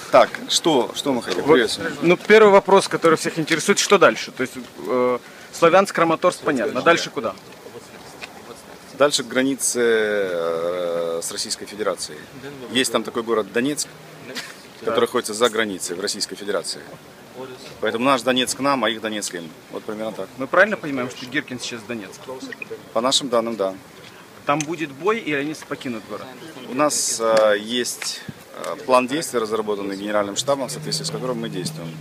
Так, что мы хотим? Вот, ну, первый вопрос, который всех интересует, что дальше? То есть Славянск, Краматорск, понятно. Дальше куда? Дальше к границе с Российской Федерацией. Есть там такой город Донецк, который находится за границей в Российской Федерации. Поэтому наш Донецк к нам, а их Донецк им. Вот примерно так. Мы правильно понимаем, что Гиркин сейчас в Донецке? По нашим данным, да. Там будет бой, и они покинут город? У нас есть план действий, разработанный Генеральным штабом, в соответствии с которым мы действуем.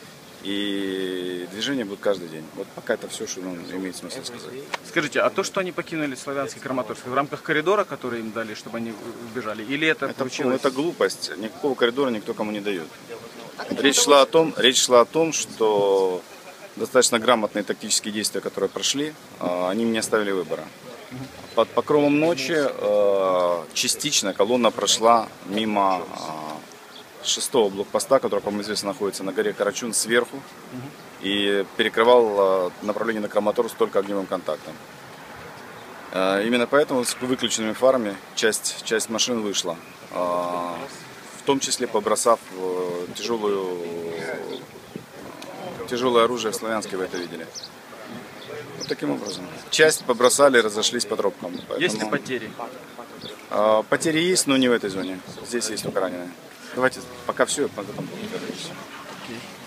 И движение будет каждый день. Вот пока это все, что нам имеет смысл сказать. Скажите, а то, что они покинули Славянск и Краматорск, в рамках коридора, который им дали, чтобы они убежали, или это получилось? Это глупость. Никакого коридора никто кому не дает. Речь шла о том, что достаточно грамотные тактические действия, которые прошли, они мне оставили выбора. Под покровом ночи частично колонна прошла мимо 6-го блокпоста, который, по-моему, известно, находится на горе Карачун сверху, и перекрывал направление на Краматорск только огневым контактом. Именно поэтому с выключенными фарами часть машин вышла, в том числе побросав тяжелое оружие в Славянске, вы это видели. Вот таким образом. Часть побросали, разошлись по тропкам. Поэтому... Есть ли потери? Потери есть, но не в этой зоне. Здесь есть только раненые. Давайте пока все, потом поговорим.